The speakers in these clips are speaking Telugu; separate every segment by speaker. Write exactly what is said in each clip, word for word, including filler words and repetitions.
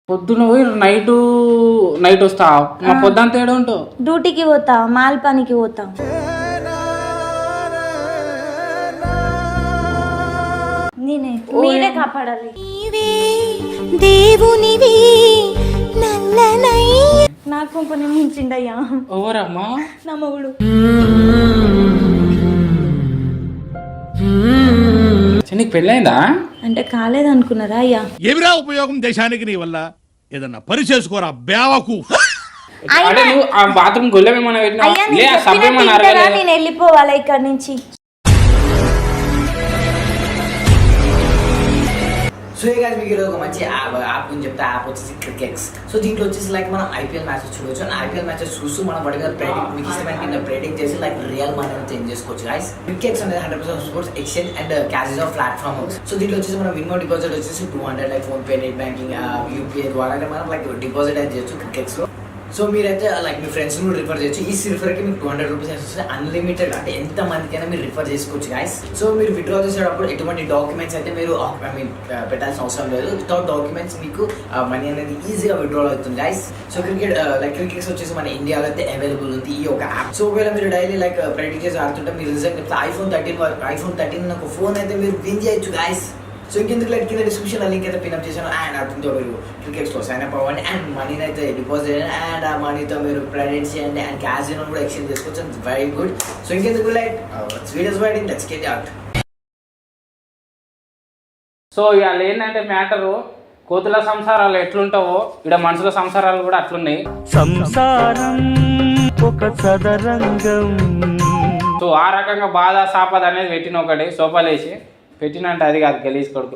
Speaker 1: పొద్దున పోయి నైట్ నైట్ వస్తావు మా పొద్దుంత ఏడు ఉంటావు
Speaker 2: డ్యూటీకి పోతా మాల్ పనికి పోతా నేనే మీరే కాపాడాలి దేవునివి నల్లనై నాకు కొంచెం మించిండయ్యా
Speaker 1: ఎవరమ్మా
Speaker 2: నా మొగుడు
Speaker 1: నీకు పెళ్ళైందా
Speaker 3: అంటే కాలేదనుకున్నారా అయ్యా?
Speaker 4: ఏమిరా ఉపయోగం దేశానికి నీ వల్ల? ఏదన్నా పని చేసుకోరా బేవకు.
Speaker 1: అంటే నువ్వు ఆ బాత్రూమ్ గొల్లమేమన్నా పెట్టినా లే ఆ సబ్బేమన్నా
Speaker 2: అరగలేదా? నేను వెళ్ళిపోవాలా ఇక్కడ నుంచి.
Speaker 5: సో ఈ గాయ్స్ మీకు ఒక మంచి యాప్ యాప్ గురించి చెప్తే యాప్ వచ్చేసి క్రికెట్స్. సో దీంట్లో వచ్చేసి లైక్ మనం ఐపీఎల్ మ్యాచెస్ చూడొచ్చు. అండ్ ఐపీఎల్ మ్యాచెస్ చూస్తూ మనం పడిన ప్రెడిక్ట్ మీకు ఇష్టమైన కింద ప్రెడిక్ట్ చేసి లైక్ రియల్ మనీ చేంజ్ చేసుకోవచ్చు గైస్. క్రికెట్స్ అనేది hundred percent sports exchange and cashes of platform. So దీంట్లో వచ్చేసి మనం మినిమం డిపాజిట్ వచ్చేసి two hundred like PhonePe, net banking, UPI ద్వారా మనం లైక్ డిపాజిట్ అయితే చేయొచ్చు క్రికెట్స్ లో. సో మీరైతే లైక్ మీ ఫ్రెండ్స్ కూడా రిఫర్ చేయొచ్చు. ఈ రిఫర్కి మీకు టూ హండ్రెడ్ రూపీస్ వస్తే అన్లిమిటెడ్ అంటే ఎంత మందికైనా మీరు రిఫర్ చేసుకోవచ్చు గైస్. సో మీరు విత్డ్రా చేసేటప్పుడు ఎటువంటి డాక్యుమెంట్స్ అయితే మీరు ఐ మీన్ పెట్టాల్సిన అవసరం లేదు. వితౌట్ డాక్యుమెంట్స్ మీకు మనీ అనేది ఈజీగా విత్డ్రా అవుతుంది guys. So cricket like Crickex వచ్చేసి మన ఇండియాలో అయితే అవైలబుల్ ఉంది ఈ ఒక యాప్. సో ఒకవేళ మీరు డైలీ లైక్ ప్రాక్టీస్ చేసి ఆడుతుంటే మీరు రిజల్ట్ చెప్తే ఐఫోన్ థర్టీన్ ఐఫోన్ థర్టీన్ ఒక ఫోన్ అయితే మీరు విన్ చేయొచ్చు గైస్. సో ఇంకెందుకు లైక్ కింద డిస్క్రిప్షన్ లింక్ అయితే పిన్అప్ చేశాను. అండ్ అతనితో మీరు క్రికెట్స్లో సైన్ అప్ అవ్వండి అండ్ మనీని అయితే డిపాజిట్ చేయండి అండ్ ఆ మనీతో మీరు ప్రెడెంట్ చేయండి అండ్ క్యాష్ కూడా ఎక్స్చేంజ్ చేసుకోవచ్చు. Very good. సో ఇంకెందుకు like videos waiting let's get out.
Speaker 1: So ఇవాళ ఏంటంటే మ్యాటరు కోతుల సంసారాలు ఎట్లుంటావో ఇక్కడ మనుషుల సంసారాలు కూడా అట్లున్నాయి.
Speaker 6: సంసారం ఒక సదరంగం.
Speaker 1: సో ఆ రకంగా బాధ సాపద అనేది పెట్టిన ఒకటి సోపాలేసి పెట్టినంటే అది కాదు గలీజ్ కొడుకు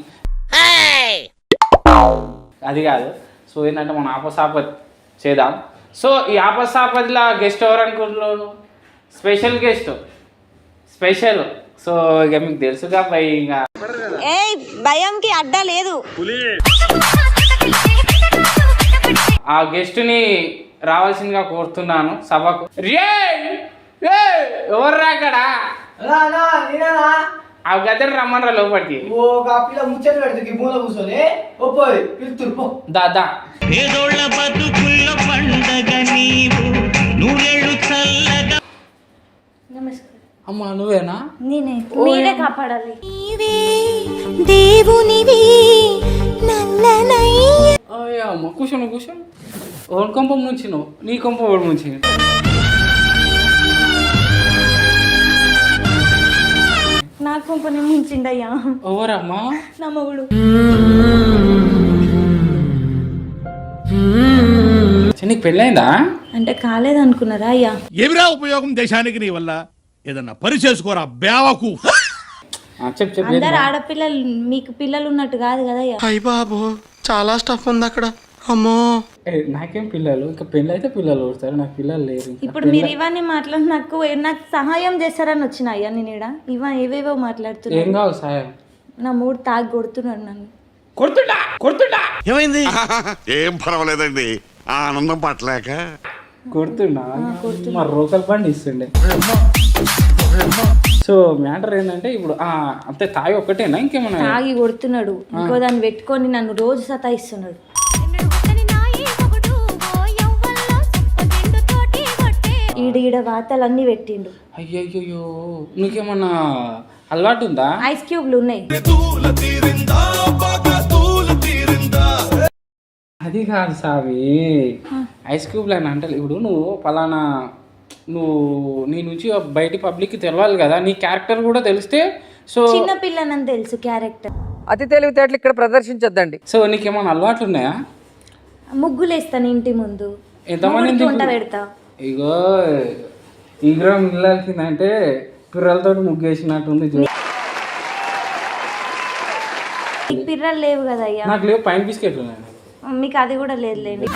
Speaker 1: అది కాదు. సో ఏంటంటే మనం ఆపసాపత్ చేద్దాం. సో ఈ ఆపసాపతిలో గెస్ట్ ఎవరు అనుకుంటున్నారు? Special guest special. సో ఇక మీకు తెలుసుగా భయ్ ఇంకా
Speaker 2: భయంకి అడ్డా లేదు.
Speaker 1: ఆ గెస్ట్ని రావాల్సిందిగా కోరుతున్నాను సభకు. రే ఎవరు రాకడా ఆ గద్దె రమ్మనరా లోపలికి. దాదా అమ్మా నువ్వేనా?
Speaker 2: నేనే మీరే కాపాడాలి దేవునివి నల్లనై.
Speaker 1: అమ్మ కూర్చోను కూర్చోను ఓన్ కొంపం నుంచి నువ్వు నీ కొంప ఓడి నుంచి
Speaker 2: నాకు కొంచెం మించిండయ్యా.
Speaker 1: ఎవరమ్మా?
Speaker 2: నా మొగుడు.
Speaker 1: నీకు పెళ్ళైందా?
Speaker 3: అంటే కాలేదనుకున్నారా అయ్యా?
Speaker 4: ఏమిరా ఉపయోగం దేశానికి నీ వల్ల? ఏదన్నా పని చేసుకోరా బేవకు.
Speaker 3: అందరు ఆడపిల్లలు మీకు పిల్లలు ఉన్నట్టు కాదు కదా అయ్యా.
Speaker 6: అయ్య బాబు చాలా స్టఫ్ ఉంది అక్కడ. అమ్మో
Speaker 1: నాకేం పిల్లలు ఇంకా పెళ్ళి అయితే పిల్లలు వస్తారు, నాకు పిల్లలు లేరు.
Speaker 3: ఇప్పుడు మీరు ఇవన్నీ మాట్లాడి నాకు నాకు సహాయం చేస్తారని వచ్చిన అయ్యా నేను ఇక్కడ ఇవ ఏవేవో మాట్లాడుతున్నా.
Speaker 1: ఏం కావాలి సాయం?
Speaker 3: నా మూడు తాగి కొడుతున్నాడు నన్ను.
Speaker 1: కొడుతుండా కొడుతుండా
Speaker 6: ఏమైంది?
Speaker 7: ఏం పర్వాలేదండి ఆనందం పట్టలేక
Speaker 1: కొడుతుండా మరి రోకల్ బండి ఇస్తుండే. సో మ్యాటర్ ఏంటంటే ఇప్పుడు అంతే తాగి ఒక్కటేనా ఇంకేమన్నా?
Speaker 3: తాగి కొడుతున్నాడు ఇంకో దాన్ని పెట్టుకొని నన్ను రోజు సతాయిస్తున్నాడు. ఈడ ఈడ వాతలన్నీ పెట్టిండు.
Speaker 1: అయ్యయ్యో నీకేమన్నా అలవాటు ఉందా?
Speaker 3: ఐస్ క్యూబ్లు ఉన్నాయి.
Speaker 1: అది కాదు సావి ఐస్ క్యూబ్ అని అంటే ఇప్పుడు నువ్వు పలానా నువ్వు నీ నుంచి బయట పబ్లిక్కి తెలవాలి కదా, నీ క్యారెక్టర్ కూడా తెలిస్తే. సో
Speaker 3: చిన్న పిల్లనని తెలుసు క్యారెక్టర్.
Speaker 8: అతి తెలివితేటలు ఇక్కడ ప్రదర్శించొద్దండి.
Speaker 1: సో నీకేమన్నా అలవాట్లు ఉన్నాయా?
Speaker 3: ముగ్గులు వేస్తాను ఇంటి ముందు.
Speaker 1: ఎంతమంది
Speaker 3: వంట పెడతా.
Speaker 1: ఇగో ఈగ్రం ఇల్లాల్సిందంటే పిర్రలతో ముగ్గేసినట్టుంది.
Speaker 3: పిర్రలు లేవు కదా అయ్యా.
Speaker 1: నాకు లేవు పైన బిస్కెట్లు ఉన్నాయి.
Speaker 3: మీకు అది కూడా లేదులేండి.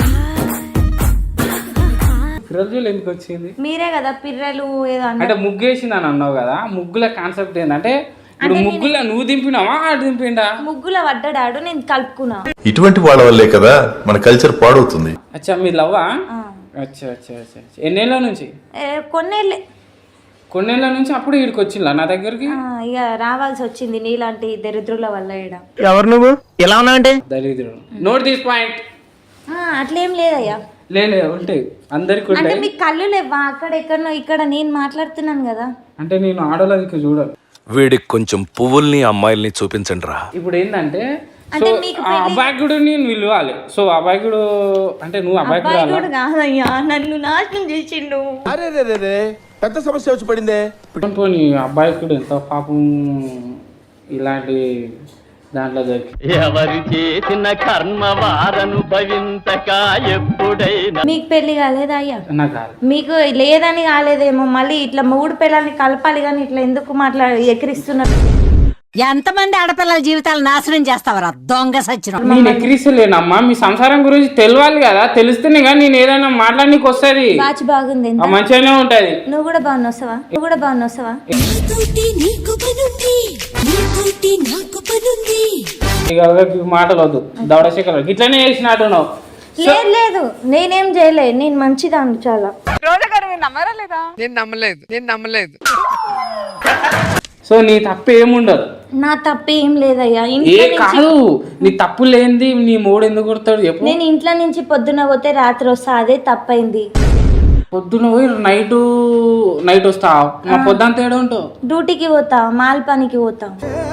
Speaker 1: పిర్రలు చూడు ఎందుకు వచ్చింది?
Speaker 3: మీరే కదా పిర్రలు ఏదో
Speaker 1: అంటే ముగ్గేసింది అని అన్నావు కదా. ముగ్గుల కాన్సెప్ట్ ఏంటంటే ఇప్పుడు ముగ్గుల నువ్వు దింపినావా ఆడు దింపిండా?
Speaker 3: ముగ్గుల వడ్డాడు నేను కలుపుకున్నా.
Speaker 9: ఇటువంటి వాళ్ళ వల్లే కదా మన కల్చర్ పాడవుతుంది.
Speaker 1: అచ్చా మీ లవ్వా? అచ్చా అచ్చా అచ్చా ఎన్నేళ్ళ నుంచి?
Speaker 3: కొన్నేళ్ళే.
Speaker 1: కొన్నేళ్ళ నుంచి అప్పుడు ఇక్కడికి వచ్చిందా నా దగ్గరికి?
Speaker 3: ఇక రావాల్సి వచ్చింది నీలాంటి దరిద్రుల వల్ల.
Speaker 6: ఎవరు నువ్వు ఎలా ఉన్నావంటే?
Speaker 1: దరిద్రుడు. Note this point.
Speaker 3: ఆ, అట్లేం లేదయ్యా.
Speaker 1: లే లే, ఉంటాయి అందరికి
Speaker 3: అంటే
Speaker 1: ఉంటాయి.
Speaker 3: మీకు కళ్ళు లేవా? అక్కడ ఎక్కడనో ఇక్కడ నేను మాట్లాడుతున్నాను కదా.
Speaker 1: అంటే నేను ఆడోళ్ళకి చూడను.
Speaker 10: వీడికి కొంచెం పువ్వుల్ని అమ్మాయిల్ని చూపించండి రా.
Speaker 1: ఇప్పుడు ఏంటంటే సో
Speaker 3: అంటే మీకు
Speaker 1: ఆ అబ్బాయికుడు నేను పిలవాలి. సో అబ్బాయికుడు అంటే నువ్వు అబ్బాయికుడు
Speaker 3: అబ్బాయి కూడా కాదయ్యా, నన్ను నాశనం చేసిండు.
Speaker 6: అరే రే రే రే పెద్ద సమస్య వచ్చి పడిందే.
Speaker 1: పోనీ అబ్బాయికుడు ఎంత పాపం ఇలాంటి దాంట్లో దొరికి
Speaker 6: ఎవరు చేసిన కర్మ వారనుభవించక ఎప్పుడైనా.
Speaker 3: మీకు పెళ్లి కాలేదా అయ్యా?
Speaker 1: నాకు కాదు.
Speaker 3: మీకు లేదని కాలేదేమో, మళ్ళీ ఇట్లా మూడు పిల్లల్ని కలపాలి కానీ ఇట్లా ఎందుకు మాట్లాడి ఎక్కిరిస్తున్నారు?
Speaker 2: ఎంతమంది ఆడపిల్లల జీవితాలు నాశనం చేస్తావరా దొంగ సచ్చిన.
Speaker 1: నేను ఎక్కిరిస్తలేనమ్మా, మీ సంసారం గురించి తెలియాలి కదా, తెలిస్తేనే కానీ నేను ఏదైనా మాట్లాడనీకి వస్తుంది.
Speaker 3: బాచి బాగుంది,
Speaker 1: ఆ మంచిగానే ఉంటది.
Speaker 3: నువ్వు కూడా బాగా వస్తావా? నువ్వు కూడా బాగా వస్తావా?
Speaker 1: ఇక ఈ మాటలు వద్దు, దవడశేఖర్ ఇట్లనే చేసినట్టు నువ్వు.
Speaker 3: లేదు లేదు, నేనేం చేయలే, నేను మంచిదాన్ని చాలా.
Speaker 8: నేను నమ్మలేదు నేను నమ్మలేదు
Speaker 1: సో నీ తప్పు ఏముండదు.
Speaker 3: నా తప్పు ఏం లేదయ్యా.
Speaker 1: ఏ
Speaker 3: ఇంట్లో నుంచి
Speaker 1: కాదు, నీ తప్పు లేనిది నీ మూడు ఎందుకు కొడతాడు చెప్పు.
Speaker 3: నేను ఇంట్లో నుంచి పొద్దున పోతే రాత్రి వస్తా, అదే తప్పైంది.
Speaker 1: పొద్దున పోయి నైట్ నైట్ వస్తావు, మా పొద్దున తేడా ఉంటావు.
Speaker 3: డ్యూటీకి పోతా, మాల్ పనికి పోతా.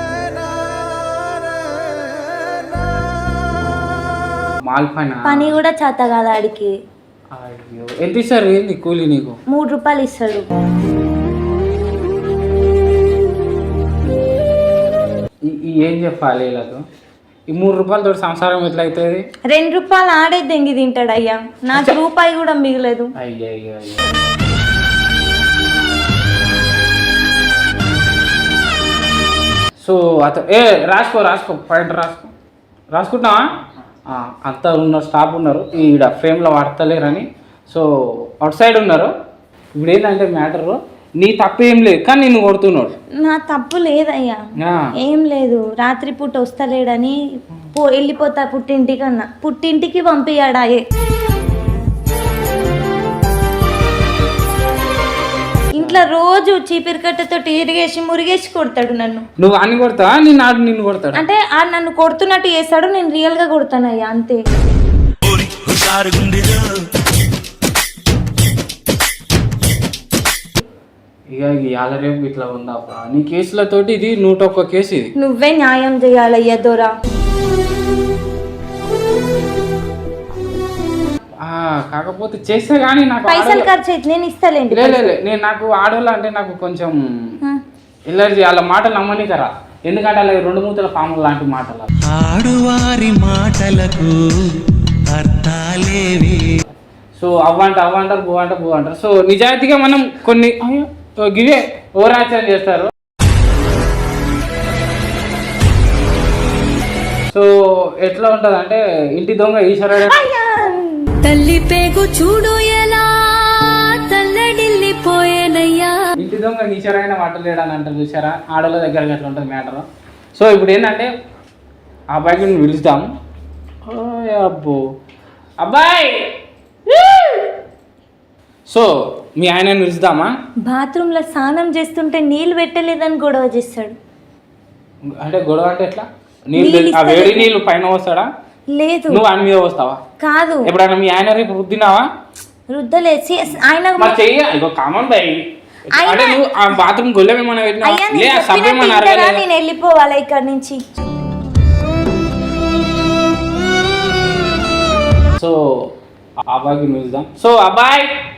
Speaker 1: మాల్ పైన
Speaker 3: పని కూడా చేత కాదు ఆడికి.
Speaker 1: అయ్యో, ఎంత ఇస్తారు ఏంది కూలి నీకు?
Speaker 3: మూడు రూపాయలు ఇస్తాడు.
Speaker 1: ఈ- ఈ ఏం చెప్పాలి వీళ్ళకు? ఈ మూడు రూపాయలతో సంసారం ఎట్లా అవుతుంది?
Speaker 3: రెండు రూపాయలు ఆడే దెంగి తింటాడు అయ్యా, నాకు రూపాయి కూడా మిగలేదు.
Speaker 1: అయ్యో అయ్యో అయ్యో. సో అత ఏ రాసుకో రాసుకో పాయింట్ రాసుకో రాసుకుంటావా? ఆ, అంతా ఉన్న స్టాఫ్ ఉన్నారు ఈడ ఫ్రేమ్లో వాడతలేరని. సో అవుట్ సైడ్ ఉన్నారు. ఇప్పుడు ఏంటంటే మ్యాటరు, నీ తప్పు ఏం లేదు కానీ నిన్ను కొడుతున్నాడు.
Speaker 3: నా తప్పు లేదయ్యా,
Speaker 1: ఆ.
Speaker 3: ఏం లేదు. రాత్రి పూట వస్తలేడని పో వెళ్ళిపోతా పుట్టింటికి అన్న, పుట్టింటికి పంపియాడాయే. ఇంట్లో రోజు చీపిరి కట్టతో ఇరిగేసి మురిగేసి కొడతాడు నన్ను.
Speaker 1: నువ్వు అన్ని కొడతావా? నేను ఆడు నిన్ను కొడతాడు.
Speaker 3: అంటే ఆ నన్ను కొడుతున్నట్టు చేస్తాడు, నేను రియల్ గా కొడతానయ్యా, అంతే.
Speaker 1: ఇక ఇవాళ రేపు ఇట్లా ఉందా నీ కేసులతోటి? ఇది నూట ఒక్క కేసు ఇది.
Speaker 3: నువ్వే న్యాయం చేయాలయ్యా దొరా.
Speaker 1: ఆ, కాకపోతే చేస్తే కానీ నాకు
Speaker 3: పైసలు
Speaker 1: ఆడోళ్ళ-
Speaker 3: ఖర్చు అయితే నేను ఇస్తాలేండి.
Speaker 1: లే లే, లే, నేను నాకు ఆడోళ్ళ అంటే నాకు కొంచెం ఎలర్జీ. వాళ్ళ మాటలు నమ్మనికరా, ఎందుకంటే అలా రెండు మూతల పాములు లాంటి మాటలు.
Speaker 6: ఆడువారి మాటలకు అర్థాలేవి.
Speaker 1: సో అవ్వంట అవ్వంటారు, బువ్వ అంటారు, బువ్వ అంటారు. సో నిజాయితీగా మనం కొన్ని అయ్యో, గివే ఓవరాక్షన్ చేస్తారు. సో ఎట్లా ఉంటుంది అంటే ఇంటి దొంగ ఈశ్వరుడు.
Speaker 2: తల్లి పేగు చూడు ఎలా తల్లడిల్లిపోయేనయ్యా.
Speaker 1: ఇంటి దొంగ ఈశ్వరైన వాటలేడని అంటారు చూసారా, ఆడోళ్ళ దగ్గర అట్లా ఉంటుంది మ్యాటర్. సో ఇప్పుడు ఏంటంటే ఆ అబ్బాయికి నువ్వు పిలుస్తాం. అబ్బో అబ్బాయి, సో మీ ఆయనని పిలుస్తామా?
Speaker 3: బాత్రూమ్ లో స్నానం చేస్తుంటే నీళ్ళు పెట్టలేదని గొడవ చేస్తాడు.
Speaker 1: అంటే గొడవ అంటే ఎట్లా? నీళ్ళు
Speaker 3: నీళ్ళు
Speaker 1: ఆ వేడి
Speaker 3: ఇస్తలేదు.
Speaker 1: నీళ్ళు పైన వస్తాడా?
Speaker 3: లేదు
Speaker 1: నువ్వు ఆయన మీద వస్తావా?
Speaker 3: కాదు,
Speaker 1: ఎప్పుడైనా మీ ఆయన రేపు రుద్దినావా?
Speaker 3: రుద్దలేసి ఆయన
Speaker 1: మరి చెయ్య ఇగో కామన్ బై.
Speaker 3: ఆయన-
Speaker 1: అంటే నువ్వు ఆ బాత్రూమ్ గొల్లెం ఏమన్నా పెట్టినావా?
Speaker 3: అయ్యా
Speaker 1: లే, ఆ
Speaker 3: నేను
Speaker 1: సబ్బు
Speaker 3: చెప్పినట్టు
Speaker 1: ఏమన్నా
Speaker 3: వింటారా?
Speaker 1: అరగలేదా?
Speaker 3: నేను వెళ్ళిపోవాలా ఇక్కడ నుంచి?
Speaker 1: సో ఆ అబ్బాయికి పిలుద్దాం. సో అబ్బాయి